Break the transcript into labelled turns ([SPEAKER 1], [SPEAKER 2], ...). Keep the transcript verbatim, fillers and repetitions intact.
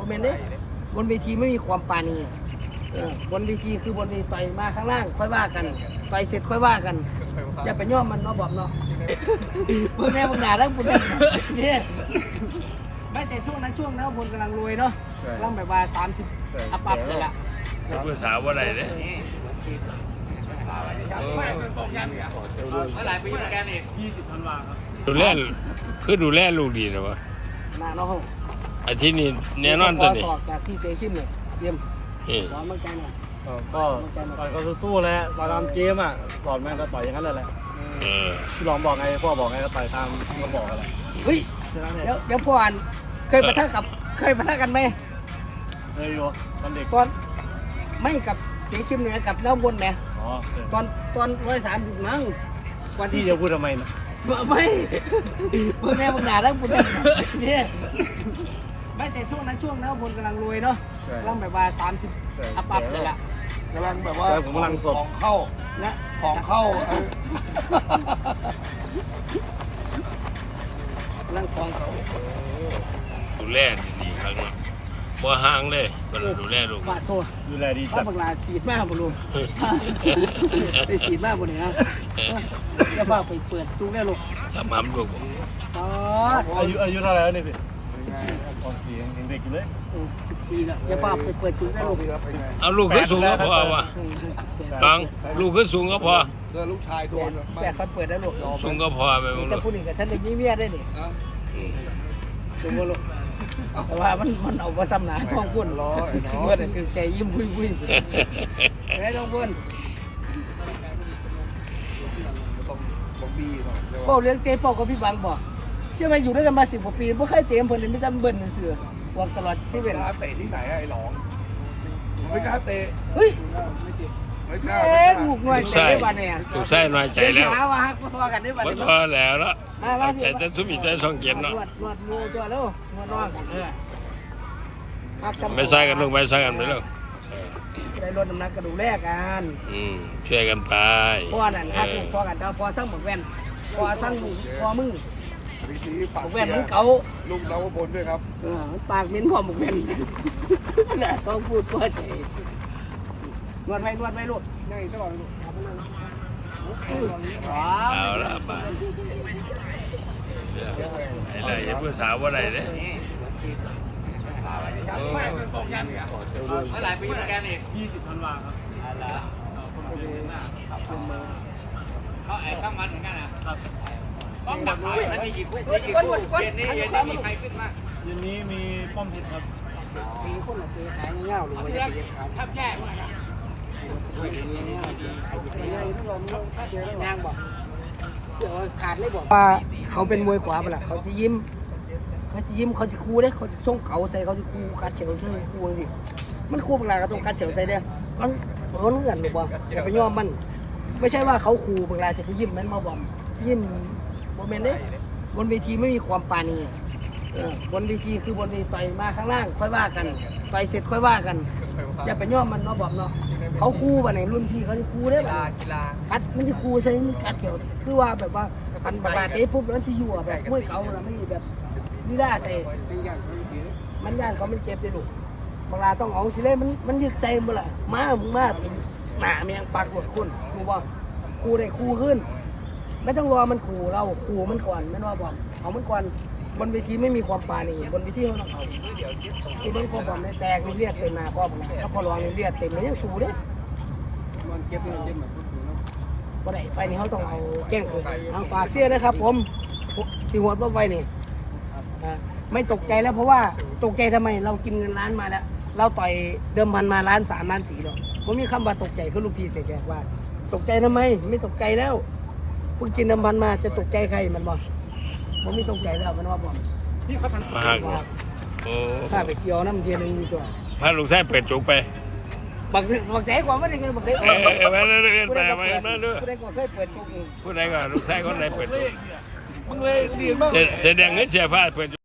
[SPEAKER 1] เมนเด้บนเวทีไม่มีความปาณีบนเวทีคือบนเวทีต่อยมาข้างล่างค่อยว่ากันต่อยเสร็จค่อยว่ากันอย่าไปย่อมมันเนาะบอมเนาะเมื่อแน่เมื่อหนาแล้วปุ่นเนี่ยไม่แต่ช่วงนั้นช่วงนั้นพลกำลังรวยเนาะกำลังแบบว่าสามสิบอัพอัพเลยล่ะ
[SPEAKER 2] ภาษาว่าอะไรเนี่ย
[SPEAKER 3] หลายปีเหมือนกันอีกยี่สิบธันวาครับ
[SPEAKER 2] ดูแลคือดูแลลูกดีนะวะ
[SPEAKER 1] มาเนาะ
[SPEAKER 2] อาทิตย์นี้แน่นอนตัวนี้
[SPEAKER 1] สอบจากที่เสียขึ้นเลยเยี่ยมร้อนมั่นใจหน่อย
[SPEAKER 3] ก็ต่อยก็สู้ๆแล้วต่อยตามเกมอ่ะสอนแม่ก็ต่อยอย่างนั้นเลยแหละที่ลองบอกไงพ่อบอกไงก็ต่อยตามที่เขาบอกอะไร
[SPEAKER 1] เฮ้ยเดี๋ยวเดี๋ยวพ่ออ่านเคยปะทะกับเคยปะทะกันไหม
[SPEAKER 3] เคยอยู่ตอนเด็ก
[SPEAKER 1] ตอนไม่กับเสียคิมเนี่ยกับน้ำบนเนี่ยตอนตอนร้อยสามสิบนั่ง
[SPEAKER 3] วันที่จะพูดทำไมนะ
[SPEAKER 1] ไม่เมื่อแน่เมื่อหนาแล้วปุ่นเนี่ยไม่แต่ช่วงนั้นช่วงนั้นพลกำลังรวยเนาะกำลังแบบว่าสามสิบอัพอัพเลยล่ะ
[SPEAKER 3] กำลังแบบว่าผมกำลังสด
[SPEAKER 1] ของเข้านะของเข้ากำลังของเขา
[SPEAKER 2] ดูแลดีๆครั้งนั้นบ่ห่างเลยมันดูแลลูก
[SPEAKER 1] บาดโทษ
[SPEAKER 3] ดูแลดี
[SPEAKER 1] จัดบังลาสีดมากบุรุษไปสีดมากบุรุษนะจะพาไปเปิดจุกได้ลูก
[SPEAKER 2] ทำห้ำลูก
[SPEAKER 3] อายุอายุเท่าไหร่แล้วนี่พี่
[SPEAKER 1] สิบสี่
[SPEAKER 3] ตอนสี่ยังเด็กอยู่เลย
[SPEAKER 1] สิบสี่แล้วจะพาไปเปิดจุกได้ลูก
[SPEAKER 2] เอาลูกขึ้นสูงก็พอวะตังลูกขึ้นสูงก็พอ
[SPEAKER 3] เกิดลูกชายโดน
[SPEAKER 1] แปดคนเปิดได้ลูก
[SPEAKER 2] สูงก็พอไป
[SPEAKER 1] จะพูดอีกกับท่านเด็กมีเมียได้ดิสูงก็ลูกแต่ว่ามันมันเอาไปซ้ำหนาท้องพุ่นล้อเมื่อไหร่คือใจยิ้มพุ่งพุ่งไอ้ท้องพุ่นเป้าเลี้ยงเต้เป้ากับพี่บังบอกเชื่อไหมอยู่ด้วยกันมาสิบกว่าปีไม่เคยเตะเพิ่นเลยไม่จำเบิ่นเสือวางตลอดชีวิต
[SPEAKER 3] เตะที่ไหนไอ้หลงไม่กล้าเตะ
[SPEAKER 1] เฮ้ยเอ๊ะลูกน้อยใจได้บ้านเนี่ย
[SPEAKER 2] ลูกไส้น้อยใจแล้ว
[SPEAKER 1] หาว่าฮักพอกันได้บ้านเนี่ย
[SPEAKER 2] พอแล้วละแต่จะสุ่มใจช่องเกียรติเนาะ
[SPEAKER 1] นวดนวดมือตัวแล้วนวดนอนเออ
[SPEAKER 2] ไม่ใช่กันลูกไม่ใช่กันไปแล้ว
[SPEAKER 1] ได้ลดน้ำหนักกระดูกแรกกัน
[SPEAKER 2] อืมช่วยกันไป
[SPEAKER 1] พ่อนั่นฮักลูกพ่อกันพ่อสร้างหมวกแว่นพ่อสร้างพ่อมึงหมวกแว่นมึงเก่า
[SPEAKER 3] ลูกเราบนด้วยครับ
[SPEAKER 1] เออปากมิ้นพ่อหมวกแว่นแหละต้องพูดพ่อใจนวดไปนวดไปลูก
[SPEAKER 3] นี่ตลอดลูก
[SPEAKER 2] เอาละมาไอ้ไรภาษาว่าอะไรเนี่ย
[SPEAKER 3] หลายปีเหมือนกันอีกยี่สิบธันวาครับ
[SPEAKER 1] เขาแอบช่างมันเหมือนกันนะครับ
[SPEAKER 3] ต้องดักไว้มันมีกี่คู่มีกี่คู่เย็นนี้เย็นนี้มีใครขึ้นมาเย็นนี้มีป้อมเพชรครับ
[SPEAKER 1] มีคนมาซื้อขายเงี้ยหรือว่าจะไปขายทับแย่มากนะนางบอกเสือขาดเลยบอกว่าเขาเป็นมวยขวาไปละเขาจะยิ้มเขาจะยิ้มเขาจะคูได้เขาจะส่งเก่าใส่เขาจะคูคัดเฉียวใส่คูจริงมันคูเวลาก็ต้องคัดเฉียวใส่เนี่ยมันเขาเงื่อนหรือเปล่าอย่าไปยอมมันไม่ใช่ว่าเขาคูเวลาจะไปยิ้มนั้นมาบอมยิ้มโมเมนต์เด้บนเวทีไม่มีความปาณีบนเวทีคือบนเวทีต่อยมาข้างล่างค่อยว่ากันต่อยเสร็จค่อยว่ากันอย่าไปย่อมมันเนาะบอมเนาะเขาคู่ป่ะในรุ่นพี่เขาจะคู่ได้ป่ะกัดมันจะคู่ใช่ไหมกัดเขียวคือว่าแบบว่าพันบาทเอ้ปุ๊บแล้วจะอยู่แบบมวยเก่าแล้วไม่แบบนี่ได้ใส่มันย่านเขามันเจ็บเลยลูกเวลาต้องเอาสิเลยมันมันยึดใจหมดละมามึงมาถึงหนาเมียงปากหมดคุณรู้ป่ะคู่ได้คู่ขึ้นไม่ต้องรอมันขู่เราขู่มันก่อนไม่ว่าบอกเอามันก่อนบนเวทีไม่มีความปาณีบนเวทีเขาต้องเอาที่เป็นความความในแตกมีเลือดเต็มหน้าพ่อผมถ้าพอรอมีเลือดเต็มมันยังสู้เด้มันเจ็บมันเจ็บเหมือนสู้เนาะวันไหนไฟนี้เขาต้องเอาแก้งคือทางฝากเสียนะครับผมสีหัวว่าไฟนี่ไม่ตกใจแล้วเพราะว่าตกใจทำไมเรากินเงินล้านมาแล้วเราต่อยเดิมพันมาล้านสามล้านสี่หรอกผมมีคำว่าตกใจคือลูกพี่เสียแกว่าตกใจทำไมไม่ตกใจแล้วเพิ่งกินเดิมพันมาจะตกใจใครมันบอกผมไม่ตกใจแล้วมันว่าบอก
[SPEAKER 2] นี่เขาทำมากโอ้
[SPEAKER 1] ถ้าไปเกี่ยวน้ำเทียนมีตัว
[SPEAKER 2] พาลูกชายเปิดจุกไป
[SPEAKER 1] บักบักใจกว่าไม่ได้เงินบักใจ
[SPEAKER 2] เออเออมาเรื่อยๆไปมาเรื่อยๆ
[SPEAKER 1] ผู้ใดก็เคยเปิดจุก
[SPEAKER 2] ผู้ใดก็ลูกชายคนไหนเปิดจุก
[SPEAKER 3] มึงเลยเรียนบ้าง
[SPEAKER 2] เสียแดงเงินเสียผ้าเปิด